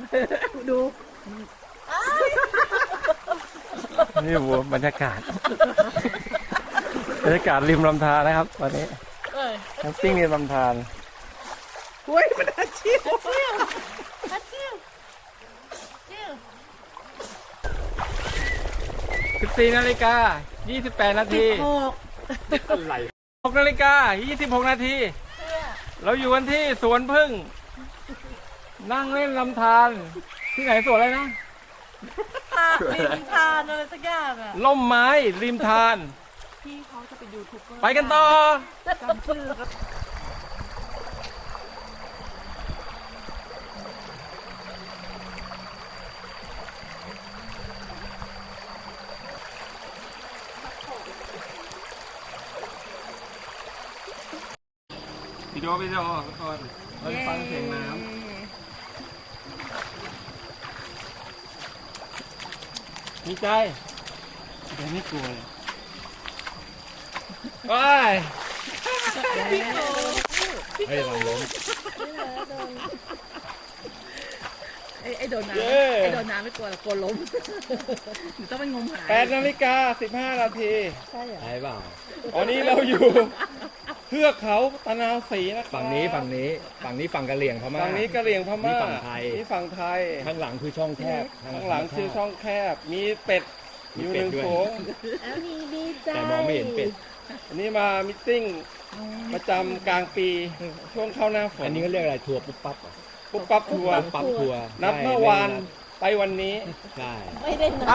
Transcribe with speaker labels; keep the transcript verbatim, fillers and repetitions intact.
Speaker 1: ดู
Speaker 2: นี่วัวบรรยากาศบรรยากาศริมลำธารนะครับวันนี้แคมปิ้งริมลำธาร
Speaker 1: เฮ้ยมันอาชีพอาชีพอาชีพ
Speaker 2: สิบสี่นาฬิกายี่สิบแปดนาทีอะไรหกนาฬิกายี่สิบหกนาทีเราอยู่กันที่สวนพึ่งนั่งเล่นลำธารที่ไหนสวนอะไรนะ
Speaker 1: ริมทานอะไรสักอย่างอ่ะ
Speaker 2: ล่มไม้ริมธาร
Speaker 1: พี่เขาจะเป็นยูทูบเบอร์
Speaker 2: ไปกันต่อ
Speaker 1: จำชื่อครับ
Speaker 2: วิดีโอวิดีโอทุกคนเราจะฟังเสียงน้ำมีใจแต่ไม่กลัวเลยไปเฮ้ยเราล้ม
Speaker 1: ไอ้ไอ้โดนน้ำ
Speaker 2: เย้
Speaker 1: ไอ้โดนน้ำไม่กลัวหรอกกลัวล้มหนูต้องไปงมหา
Speaker 2: แปดนาฬิกาสิบห้านาที
Speaker 1: ใช่เหรอ
Speaker 3: ใช่เปล่า
Speaker 2: ตอนนี้เราอยู่เทือกเขาตะนาวศรีนะครับ
Speaker 3: ฝั่งนี้ฝั่งนี้ฝั่งนี้ฝั่งกะเหรี่ยงพม่า
Speaker 2: ฝั่งนี้กะเหรี่ยงพม่า
Speaker 3: นี่ฝั่งไทย
Speaker 2: นี่ฝั่งไทย
Speaker 3: ข้างหลังคือช่องแคบ
Speaker 2: ข้างหลังคือช่องแคบ มีเป็ด
Speaker 3: มี
Speaker 2: อยู่
Speaker 3: เป็
Speaker 2: ห
Speaker 3: ด
Speaker 2: นึ่ง
Speaker 3: ด้วย
Speaker 2: โขง
Speaker 1: แล้วมีดีใจ
Speaker 3: แต่มองไม่เห็นเป็ด
Speaker 2: อันนี้มามิทติ้งประจำกลางปีช่วงเข้าหน้าฝน
Speaker 3: อันนี้ก็เรียกอะไรทัวร์ปุ๊บปั๊บเหรอ
Speaker 2: ปุ๊บปั๊บทัวร์
Speaker 3: ปุ๊บปั๊บทัวร์
Speaker 2: นับเมื่อวานไปวันนี้
Speaker 3: ใช่
Speaker 1: ไม่ได้นะ
Speaker 2: อ่ะ